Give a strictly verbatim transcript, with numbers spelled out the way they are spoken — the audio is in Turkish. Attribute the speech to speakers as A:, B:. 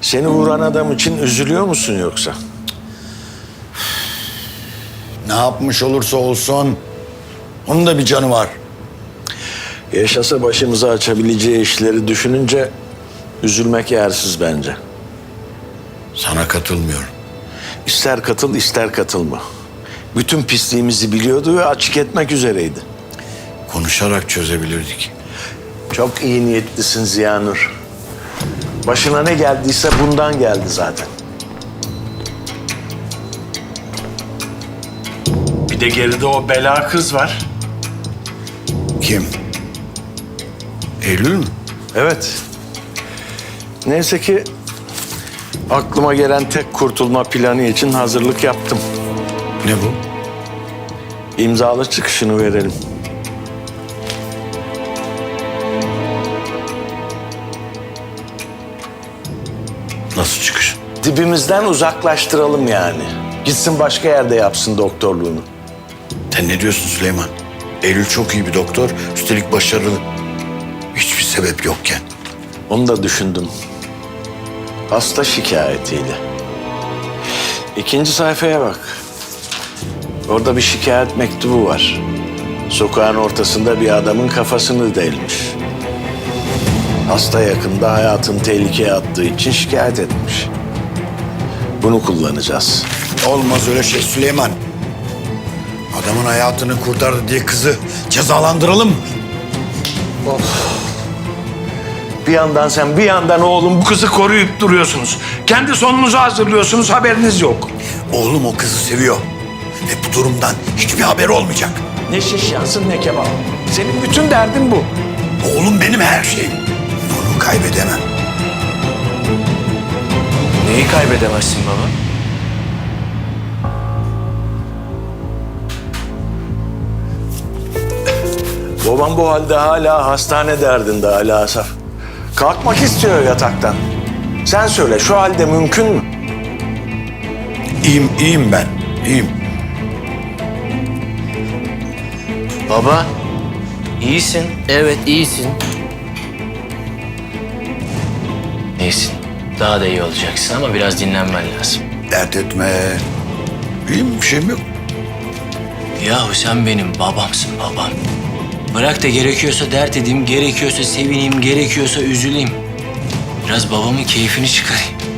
A: Seni vuran adam için üzülüyor musun yoksa?
B: Ne yapmış olursa olsun onun da bir canı var.
A: Yaşasa başımıza açabileceği işleri düşününce üzülmek yersiz bence.
B: Sana katılmıyorum.
A: İster katıl ister katılma. Bütün pisliğimizi biliyordu ve açık etmek üzereydi.
B: Konuşarak çözebilirdik.
A: Çok iyi niyetlisin Ziyanur. Başına ne geldiyse bundan geldi zaten. Bir de geride o bela kız var.
B: Kim? Eylül mü?
A: Evet. Neyse ki aklıma gelen tek kurtulma planı için hazırlık yaptım.
B: Ne bu?
A: İmzalı çıkışını verelim.
B: Nasıl çıkış?
A: Dibimizden uzaklaştıralım yani. Gitsin başka yerde yapsın doktorluğunu.
B: Sen ne diyorsun Süleyman? Eylül çok iyi bir doktor, üstelik başarılı. Hiçbir sebep yokken.
A: Onu da düşündüm. Hasta şikayetiyle. İkinci sayfaya bak. Orada bir şikayet mektubu var. Sokağın ortasında bir adamın kafasını delmiş. Hasta yakında hayatını tehlikeye attığı için şikayet etmiş. Bunu kullanacağız.
B: Olmaz öyle şey Süleyman. Adamın hayatını kurtardı diye kızı cezalandıralım mı?
A: Bir yandan sen bir yandan oğlum bu kızı koruyup duruyorsunuz. Kendi sonunuzu hazırlıyorsunuz, haberiniz yok.
B: Oğlum o kızı seviyor. Ve bu durumdan hiçbir haber olmayacak.
A: Ne şiş yansın ne kebap. Senin bütün derdin bu.
B: Oğlum benim her şeyim. Onu kaybedemem.
C: Neyi kaybedemezsin baba?
A: Babam bu halde hala hastane derdinde hala Asaf. Kalkmak istiyor yataktan. Sen söyle şu halde mümkün mü?
B: İyiyim, iyiyim ben. İyiyim.
C: Baba, iyisin. Evet, iyisin. İyisin. Daha da iyi olacaksın ama biraz dinlenmen lazım.
B: Dert etme. İyiyim, bir şeyim yok.
C: Yahu sen benim babamsın babam. Bırak da gerekiyorsa dert edeyim, gerekiyorsa sevineyim, gerekiyorsa üzüleyim. Biraz babamın keyfini çıkarayım.